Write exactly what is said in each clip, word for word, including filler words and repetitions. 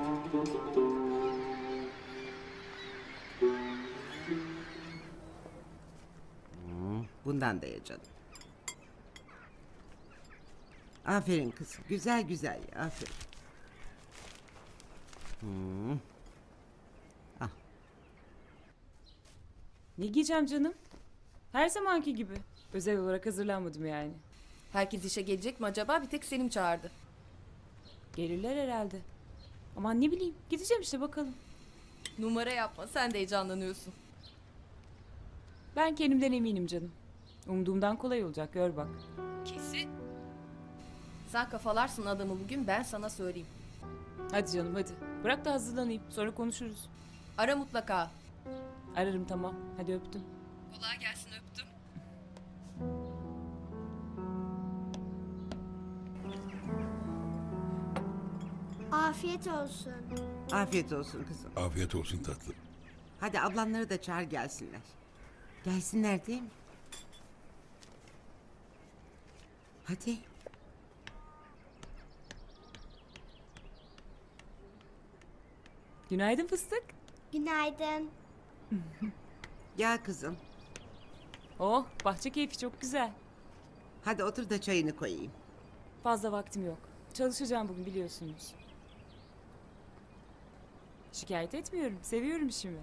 Hmm, bundan da ye canım. Aferin kızım. Güzel güzel ye. Aferin. Hmm. Al. Ne giyeceğim canım? Her zamanki gibi. Özel olarak hazırlanmadım yani. Herkes işe gelecek mi acaba? Bir tek Selim çağırdı. Gelirler herhalde. Aman ne bileyim. Gideceğim işte bakalım. Numara yapma, sen de heyecanlanıyorsun. Ben kendimden eminim canım. Umduğumdan kolay olacak, gör bak. Kesin. Sen kafalarsın adamı bugün, ben sana söyleyeyim. Hadi canım hadi. Bırak da hazırlanayım. Sonra konuşuruz. Ara mutlaka. Ararım tamam. Hadi öptüm. Kolay gelsin, öptüm. Afiyet olsun. Afiyet olsun kızım. Afiyet olsun tatlım. Hadi ablanları da çağır gelsinler. Gelsinler değil mi? Hadi. Günaydın fıstık. Günaydın. Gel kızım. Oh bahçe keyfi çok güzel. Hadi otur da çayını koyayım. Fazla vaktim yok. Çalışacağım bugün biliyorsunuz. Şikayet etmiyorum. Seviyorum işimi.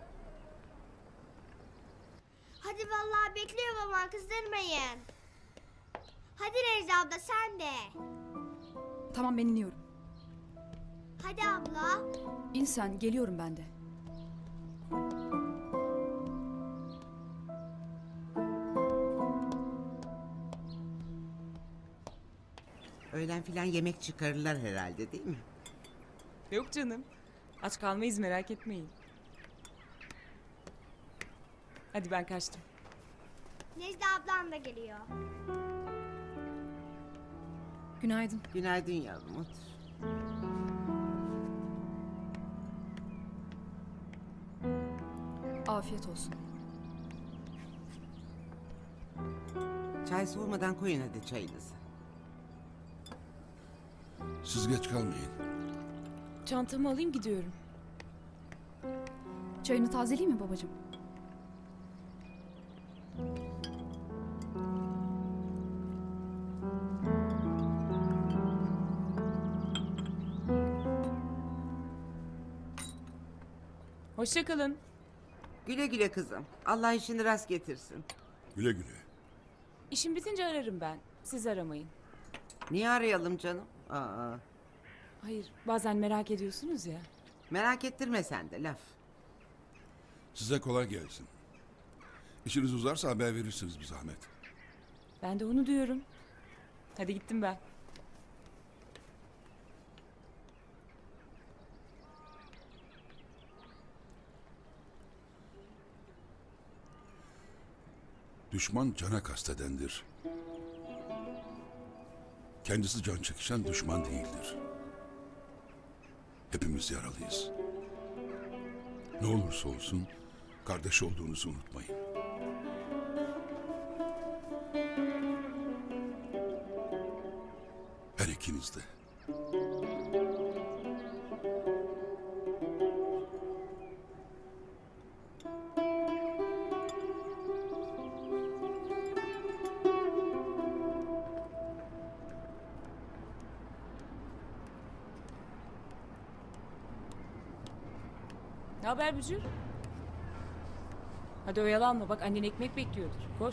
Hadi vallahi bekliyor babam, kızdırmayın. Hadi Necla abla sen de. Tamam ben iniyorum. Hadi abla. İn sen, geliyorum ben de. Öğlen filan yemek çıkarırlar herhalde değil mi? Yok canım. Aç kalmayız merak etmeyin. Hadi ben kaçtım. Necla ablam da geliyor. Günaydın. Günaydın yavrum, otur. Afiyet olsun. Çay soğumadan koyun hadi çayınızı. Siz geç kalmayın. Çantamı alayım gidiyorum. Çayını tazeleyeyim mi babacığım? Hoşça kalın. Güle güle kızım. Allah işini rast getirsin. Güle güle. İşim bitince ararım ben. Siz aramayın. Niye arayalım canım? Aa, Hayır bazen merak ediyorsunuz ya. merak ettirme sen de laf. Size kolay gelsin. İşiniz uzarsa haber verirsiniz bir zahmet. Ben de onu diyorum. Hadi gittim ben. Düşman cana kastedendir. Kendisi can çekişen düşman değildir. Hepimiz yaralıyız. Ne olursa olsun kardeş olduğunuzu unutmayın. Her ikiniz de. Ne haber Bücür? Hadi oyalanma bak annen ekmek bekliyordur. Koş.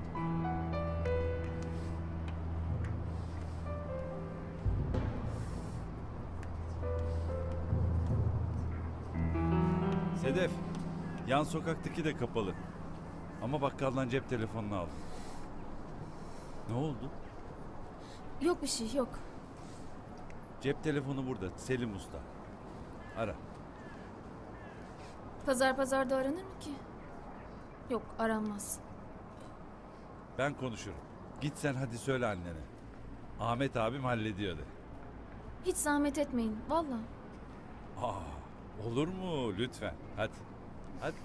Sedef, yan sokaktaki de kapalı. Ama bakkaldan cep telefonunu aldım. Ne oldu? Yok bir şey yok. Cep telefonu burada, Selim Usta. Ara. Pazar pazarda aranır mı ki? Yok aranmaz. Ben konuşurum. Git sen hadi söyle annene. Ahmet abim hallediyor de. Hiç zahmet etmeyin valla. Aa, olur mu? Lütfen. Hadi. Hadi.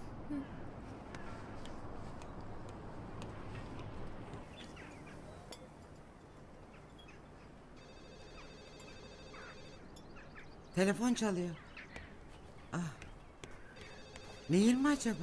Telefon çalıyor. Ah. Nehir mi acaba?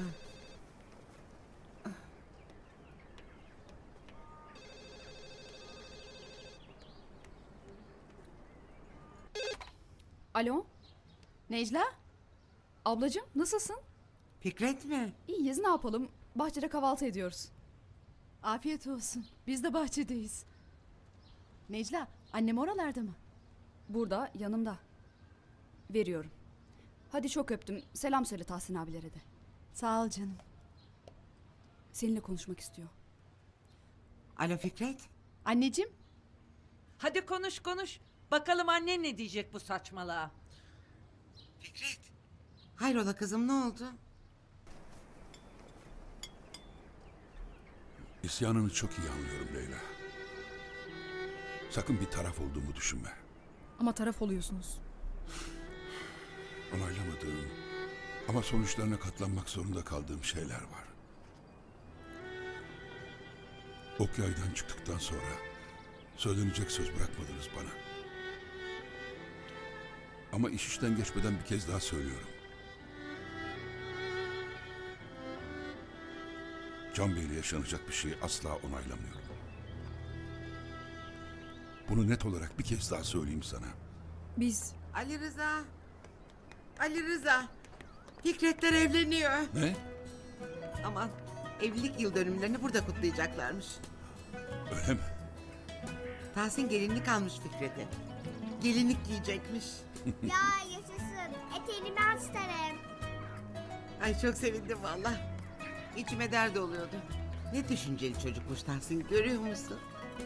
Alo, Necla? ablacığım nasılsın? Fikret mi? İyiyiz, ne yapalım? Bahçede kahvaltı ediyoruz. Afiyet olsun. Biz de bahçedeyiz. Necla, annem oralarda mı? Burada, yanımda. Veriyorum. Hadi çok öptüm. Selam söyle Tahsin abilere de. Sağ ol canım. Seninle konuşmak istiyor. Alo Fikret. Anneciğim, Hadi konuş konuş. Bakalım annen ne diyecek bu saçmalığa. Fikret. Hayrola kızım, ne oldu? İsyanını çok iyi anlıyorum Leyla. Sakın bir taraf olduğumu düşünme. Ama taraf oluyorsunuz. Onaylamadığım ama sonuçlarına katlanmak zorunda kaldığım şeyler var. Ok yaydan çıktıktan sonra söylenecek söz bırakmadınız bana. Ama iş işten geçmeden bir kez daha söylüyorum. Can Bey'le yaşanacak bir şeyi asla onaylamıyorum. Bunu net olarak bir kez daha söyleyeyim sana. Biz Ali Rıza. Ali Rıza. Fikretler evleniyor. Ne? Aman, evlilik yıl dönümlerini burada kutlayacaklarmış. Öyle mi? Tahsin gelinlik almış Fikret'e. Gelinlik giyecekmiş. Ya yaşasın. Eteğini ben isterim. Ay çok sevindim valla. İçime dert oluyordu. Ne düşünceli çocukmuş Tahsin, görüyor musun?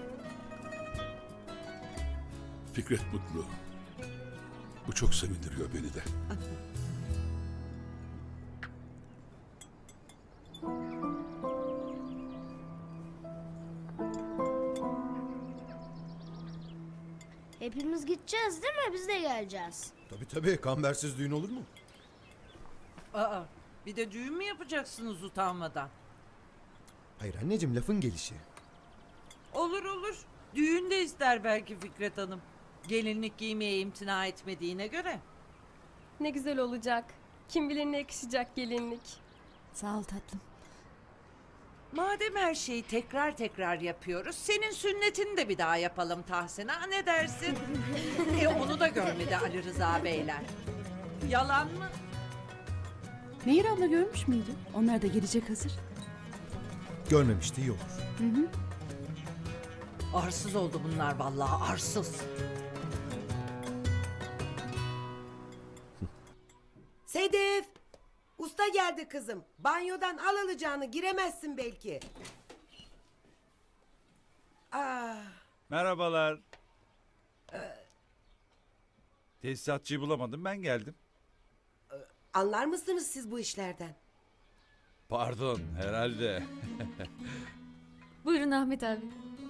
Fikret mutlu. Bu çok sevindiriyor beni de. Hepimiz gideceğiz değil mi? Biz de geleceğiz. Tabii tabii, kambersiz düğün olur mu? Aa, bir de düğün mü yapacaksınız utanmadan? Hayır anneciğim, lafın gelişi. Olur olur. Düğün de ister belki Fikret Hanım. Gelinlik giymeye imtina etmediğine göre. ne güzel olacak. Kim bilir ne yakışacak gelinlik. sağ ol tatlım. Madem her şeyi tekrar tekrar yapıyoruz, senin sünnetini de bir daha yapalım Tahsin. Ha, ne dersin? e onu da görmedi Ali Rıza Beyler. Yalan mı? Nehir abla görmüş müydü? Onlar da gelecek hazır. Görmemişti iyi olur. Arsız oldu bunlar vallahi, arsız. Sedef! Usta geldi kızım. Banyodan al alacağını, giremezsin belki. Aa, Merhabalar. Tesisatçıyı bulamadım, ben geldim. anlar mısınız siz bu işlerden? Pardon, herhalde. Buyurun Ahmet abi.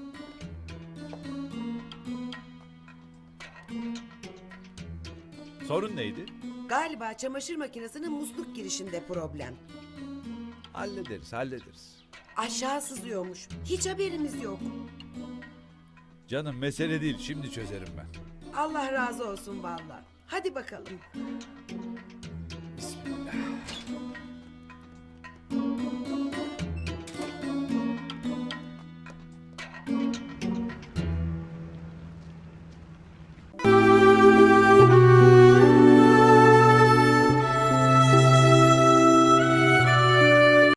Sorun neydi? Galiba çamaşır makinesinin musluk girişinde problem. Hallederiz, hallederiz. Aşağı sızıyormuş. Hiç haberimiz yok. Canım mesele değil, şimdi çözerim ben. Allah razı olsun vallahi. Hadi bakalım.